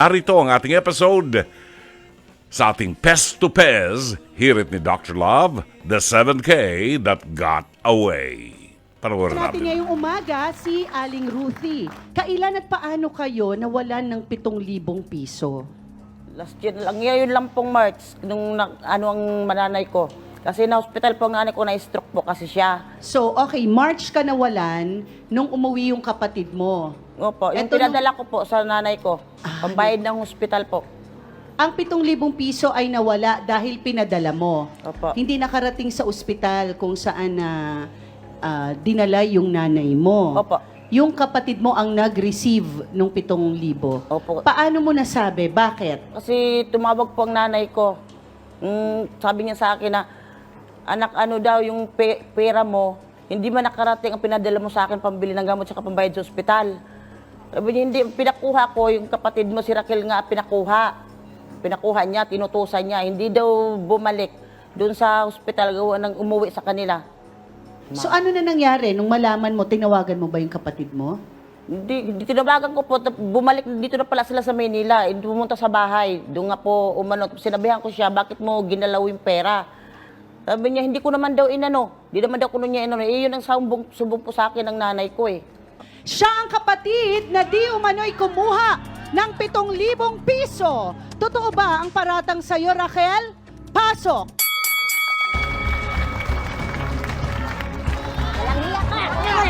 Arito ang ating episode sa ating Pest to Pez, hirit ni Dr. Love, the 7K that got away. Panoorin Natin natin. ngayong umaga si Aling Ruthie. Kailan at paano kayo nawalan ng 7,000 piso? Last year lang, ngayon lang pong March, nung ang mananay ko. Kasi na-hospital po ang nanay ko, na-stroke po kasi siya. So, okay, March ka nawalan nung umuwi yung kapatid mo. Opo, yung Eto pinadala ko po sa nanay ko, pambayad ng hospital po. Ang 7,000 piso ay nawala dahil pinadala mo. Opo. Hindi nakarating sa ospital kung saan dinala yung nanay mo. Opo. Yung kapatid mo ang nag-receive nung 7,000. Opo. Paano mo nasabi? Bakit? Kasi tumawag po ang nanay ko. Sabi niya sa akin na, anak, ano daw yung pera mo, hindi man nakarating ang pinadala mo sa akin pambili ng gamot sa pambayad sa ospital. Sabi niya, hindi, pinakuha ko, yung kapatid mo si Raquel nga pinakuha. Pinakuha niya, tinutusan niya, hindi daw bumalik doon sa ospital gawa ng umuwi sa kanila. So ano na nangyari nung malaman mo, tinawagan mo ba yung kapatid mo? Hindi tinawagan ko po, bumalik dito na pala sila sa Manila, pumunta sa bahay. Doon nga po umano, sinabihan ko siya, bakit mo ginalaw yung pera? Sabi niya, hindi ko naman daw inano, hindi naman daw kuno niya inano. Eh, yun ang sumbong po sa akin ng nanay ko eh. Siya ang kapatid na di umano'y kumuha ng 7,000 piso. Totoo ba ang paratang sa'yo, Raquel? Pasok! Walang hiya ka!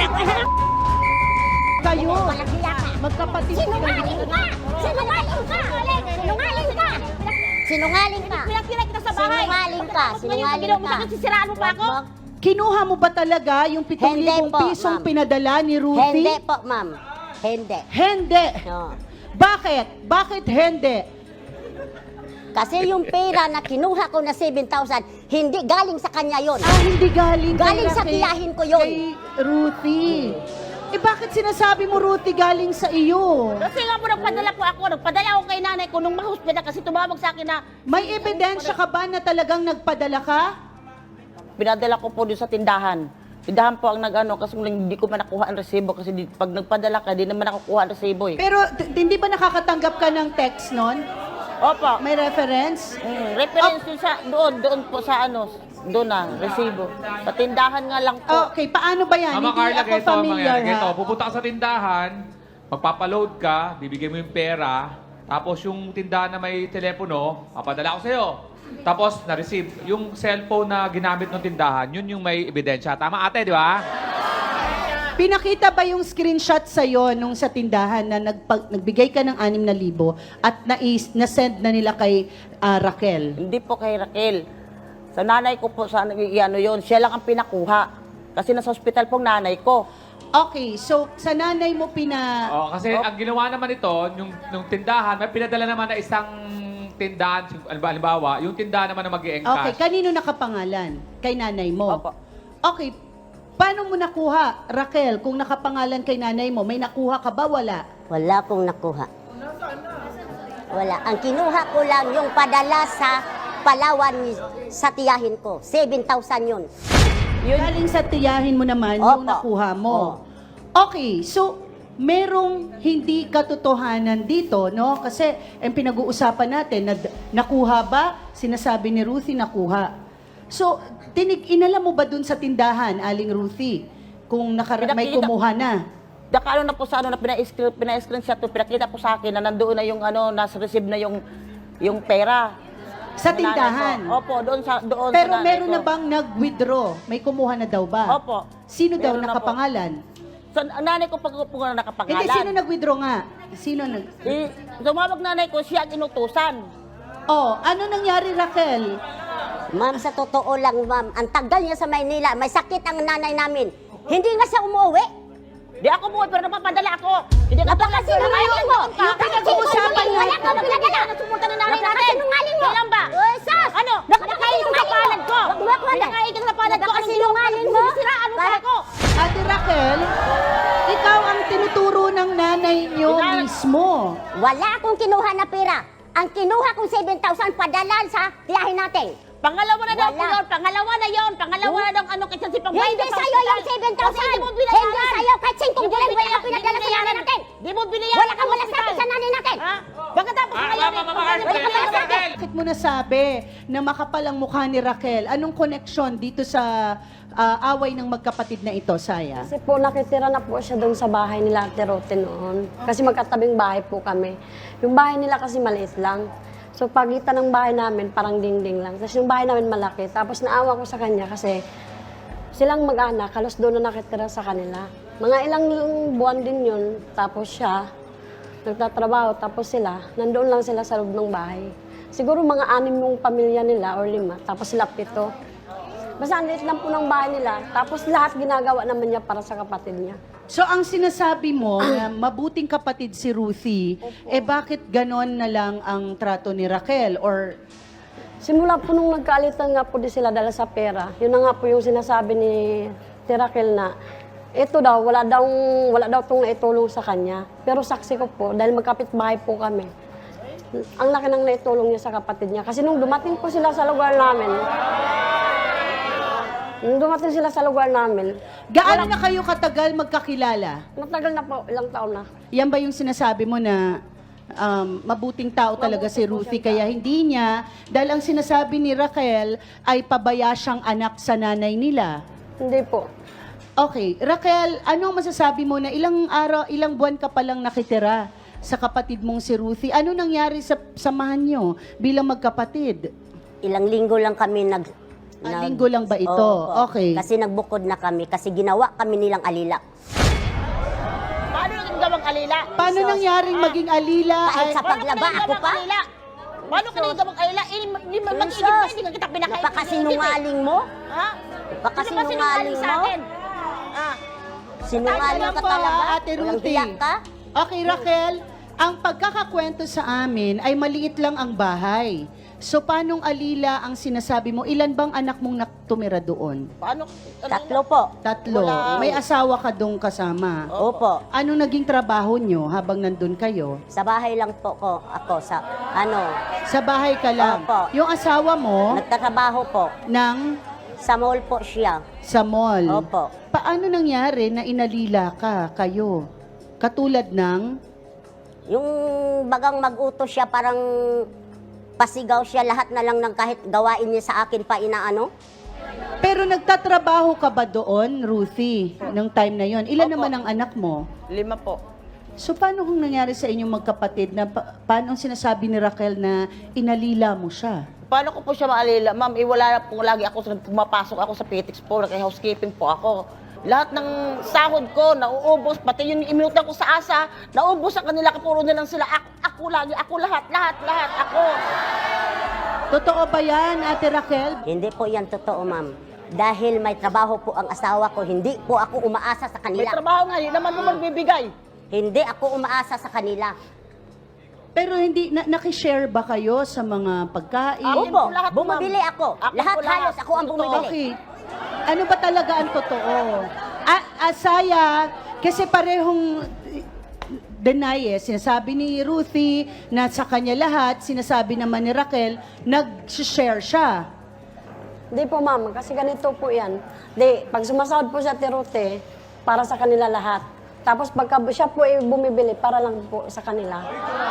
Kayo, Walang hiya ka! magkapatid Sinungaling ka! Sinungaling ka! Sinungaling ka! Sinungaling ka! Pinagkira kita sa bahay. Sinungaling ka! Sinungaling ka! Sisiraan mo pa ako? Kinuha mo ba talaga yung 7,000 Hindi po, pisong ma'am. pinadala ni Ruthie? Hindi po, ma'am. Hindi. Hindi. No. Bakit? Bakit hindi? Kasi yung pera na kinuha ko na 7,000, hindi galing sa kanya yon. Hindi galing Galing sa kay- tiyahin ko yun. Kay Ruthie. Eh bakit sinasabi mo, Ruthie, galing sa iyo? Kasi nga po nagpadala ako kay nanay ko nung ma-hospital kasi tumawag sa akin na May ebidensya ka ba na talagang nagpadala ka? pinadala ko po doon sa tindahan. Tindahan po ang nag-ano kasi hindi ko man nakuha ang resibo kasi pag nagpadala ka, di naman nakukuha ang resibo eh. Pero hindi ba nakakatanggap ka ng text nun? Opo. May reference? Reference yun sa doon po sa doon na, resibo. Sa tindahan nga lang po. Okay, paano ba yan? Mama Hindi Carla, ako ganito ang familiar, mangyayari. Ganito, ha? pupunta ka sa tindahan, magpapaload ka, bibigay mo yung pera, tapos yung tindahan na may telepono, papadala ko sa'yo. Tapos, na-receive. Yung cellphone na ginamit ng tindahan, yun yung may ebidensya. Tama ate, di ba? Pinakita ba yung screenshot sa'yo nung sa tindahan na nagbigay ka ng 6,000 at na-send na nila kay Raquel? Hindi po kay Raquel. Sa nanay ko po, sa yon, siya lang ang pinakuha. Kasi nasa hospital pong nanay ko. Okay, so sa nanay mo Oh, kasi ang ginawa naman ito, yung tindahan, may pinadala naman na isang tindahan, halimbawa, yung tindahan naman na Okay, mag-i-encash. kanino nakapangalan? Kay nanay mo? Opo. Okay, paano mo nakuha, Raquel, kung nakapangalan kay nanay mo? May nakuha ka ba? Wala. Wala pong nakuha. Wala. Ang kinuha ko lang yung padala sa Palawan sa tiyahin ko. 7,000 yun. Galing sa tiyahin mo naman yung Opo. nakuha mo. Okay, so merong hindi katotohanan dito, no? Kasi ang pinag-uusapan natin, nakuha ba? Sinasabi ni Ruthie, nakuha. So, inalam mo ba dun sa tindahan, Aling Ruthie, kung may kumuha na? Dakalo na po sa na pina-screenshot to, pinakita po sa akin na nandoon na yung nasa receive na yung pera. Sa Ng nanay tindahan? ko. Opo, doon Pero sa nanay meron ko. na bang nag-withdraw? May kumuha na daw ba? Opo. Sino daw Meron na po. nakapangalan? Sa nanay ko pag na nakapangalan. Hindi, sino nag-withdraw nga? Sino nag... Tumawag nanay ko, siya ang inutusan. Oh, ano nangyari, Raquel? Ma'am, sa totoo lang, ma'am, ang tagal niya sa Maynila, may sakit ang nanay namin. Hindi nga siya umuwi. Di ako buhay, pero napapadala ako. Hindi ka Napakasinungaling mo! Yung pinag-uusapan Wala natin. kang pinadala! Sumunta na nanay natin. Napakasinungaling mo! Kailan ba? Uy, sus! Ano? Nakakaigil sa palad ko. Nakakaigil sa palad ko. Napakasinungaling mo! Sinisiraan mo pa ako. Ate Raquel, ikaw ang tinuturo ng nanay niyo mismo. Wala akong kinuha na pera. Ang kinuha kong 7,000 padalan sa tiyahin natin. Pangalawa na daw po Wala. yun. Pangalawa na yun. Pangalawa na daw ano kasi si Pangbayad. Hindi sa'yo yung 7,000! Hindi sa'yo! Kahit 5 bulan wala kang pinadala sa nanay natin! Di mo binayaran. Wala kang malasakit sa nanay natin! Ha? Pagkatapos ngayon, Bakit mo nasabi na makapal ang mukha ni Raquel? Anong koneksyon dito sa away ng magkapatid na ito, Saya? Kasi po nakitira na po siya doon sa bahay nila Ate Rote noon. Kasi magkatabing bahay po kami. Yung bahay nila kasi maliit lang. So pagitan ng bahay namin parang dingding lang. Tapos yung bahay namin malaki. Tapos naawa ko sa kanya kasi silang mag-anak, halos doon na nakitira sa kanila. Mga ilang buwan din yun. Tapos siya, nagtatrabaho. Tapos sila, nandoon lang sila sa loob ng bahay. Siguro mga 6 yung pamilya nila or 5. Tapos sila 7. Basta ang liit lang po ng bahay nila. Tapos lahat ginagawa naman niya para sa kapatid niya. So ang sinasabi mo na mabuting kapatid si Ruthie, bakit ganon na lang ang trato ni Raquel? Or Simula po nung nagkaalitan nga po di sila dahil sa pera, yun na nga po yung sinasabi ni Raquel na ito daw, wala daw itong naitulong sa kanya. Pero saksi ko po, dahil magkapit-bahay po kami, ang laki nang naitulong niya sa kapatid niya. Kasi nung dumating po sila sa lugar namin, gaano na kayo katagal magkakilala? matagal na po, ilang taon na. Yan ba yung sinasabi mo na mabuting tao talaga si Ruthie kaya hindi niya, dahil ang sinasabi ni Raquel ay pabaya siyang anak sa nanay nila? Hindi po. Okay, Raquel, ano ang masasabi mo na ilang buwan ka palang nakitira sa kapatid mong si Ruthie? Ano nangyari sa samahan nyo bilang magkapatid? Ilang linggo lang kami Linggo lang ba ito? Oo, Okay. Kasi nagbukod na kami, kasi ginawa kami nilang alila. paano naging gawang alila? Paano nangyaring maging alila? Kahit Ay, sa paglaba ako pa, Paano ka naging gawang alila? Hindi mag-iigib na, hindi ka kita pinakain. napakasinungaling mo. Ha? Napakasinungaling sa mo. akin? Ah, Sinungaling Tanong ka po, talaga. Ate Walang Ruthie. hiya ka. Okay, Raquel, ang pagkakakwento sa amin ay maliit lang ang bahay. So, paanong alila ang sinasabi mo? Ilan bang anak mong tumira doon? paano? 3 po. 3. Wala. May asawa ka doon kasama. Opo. Ano naging trabaho nyo habang nandun kayo? Sa bahay lang po ako sa Sa bahay ka lang. Opo. Yung asawa mo nagtatrabaho po. ng Sa mall po siya. sa mall. Opo. Paano nangyari na inalila kayo? Katulad ng Yung bagang mag-utos siya, parang pasigaw siya, lahat na lang ng kahit gawain niya sa akin pa inaano. Pero nagtatrabaho ka ba doon, Ruthie, ng time na yon? Ilan Opo. naman ang anak mo? 5 po. So paano kung nangyari sa inyong magkapatid na paano ang sinasabi ni Raquel na inalila mo siya? Paano ko po siya maalila? Ma'am, wala po lagi ako, pumapasok ako sa Petix po, nag-housekeeping po ako. Lahat ng sahod ko, nauubos, pati yung iminutan ko sa asa, naubos sa kanila, kapuro na lang sila. Ako lagi, ako lahat, ako. Totoo ba yan, Ate Raquel? Hindi po yan totoo, ma'am. Dahil may trabaho po ang asawa ko, hindi po ako umaasa sa May kanila. trabaho nga, yun naman mo magbibigay. Hindi ako umaasa sa kanila. Pero hindi, nakishare ba kayo sa mga pagkain? Ako Opo, po lahat, bumibili ma'am. ako. Ako Lahat po lahat. halos ako ang Totoo. bumibili. Okay. Ano ba talaga ang totoo? Asaya, kasi parehong deny sinasabi ni Ruthie na sa kanya lahat, sinasabi naman ni Raquel, nag-share siya. Hindi po, ma'am. Kasi ganito po yan. Pag sumasahod po sa Tirote, para sa kanila lahat. Tapos pagka siya po ay bumibili, para lang po sa kanila.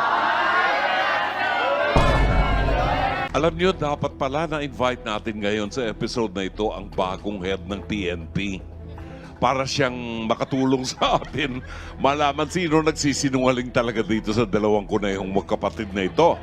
Alam niyo, dapat pala na-invite natin ngayon sa episode na ito ang bagong head ng PNP. Para siyang makatulong sa atin, malaman sino nagsisinungaling talaga dito sa dalawang ko na yung magkapatid na ito.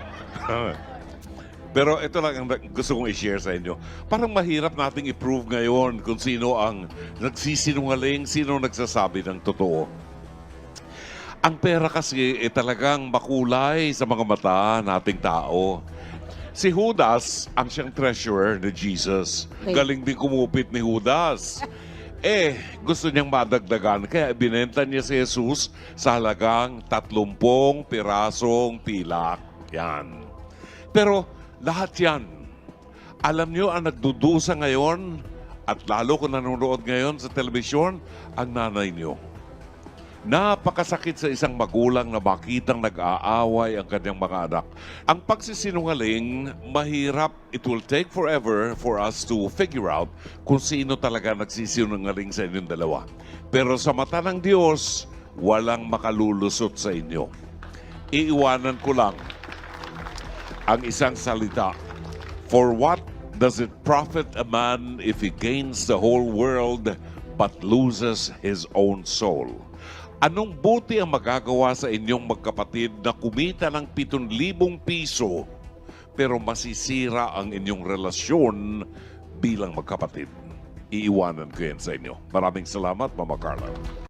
Pero ito lang ang gusto kong i-share sa inyo. Parang mahirap nating i-prove ngayon kung sino ang nagsisinungaling, sino nagsasabi ng totoo. Ang pera kasi talagang makulay sa mga mata nating tao. Si Judas ang siyang treasurer ni Jesus. Okay. Galing din kumupit ni Judas. Gusto niyang madagdagan, kaya binenta niya si Jesus sa halagang 30 pirasong pilak. Yan. Pero lahat yan, alam niyo ang nagdudusa ngayon, at lalo kung nanonood ngayon sa telebisyon, ang nanay niyo. Napakasakit sa isang magulang na makitang nag-aaway ang kanyang mga anak. Ang pagsisinungaling, mahirap. It will take forever for us to figure out kung sino talaga nagsisinungaling sa inyong dalawa. Pero sa mata ng Diyos, walang makalulusot sa inyo. iiwanan ko lang ang isang salita. For what does it profit a man if he gains the whole world but loses his own soul? Anong buti ang magagawa sa inyong magkapatid na kumita ng 7,000 piso pero masisira ang inyong relasyon bilang magkapatid? Iiwanan ko yan sa inyo. Maraming salamat, Mama Carla.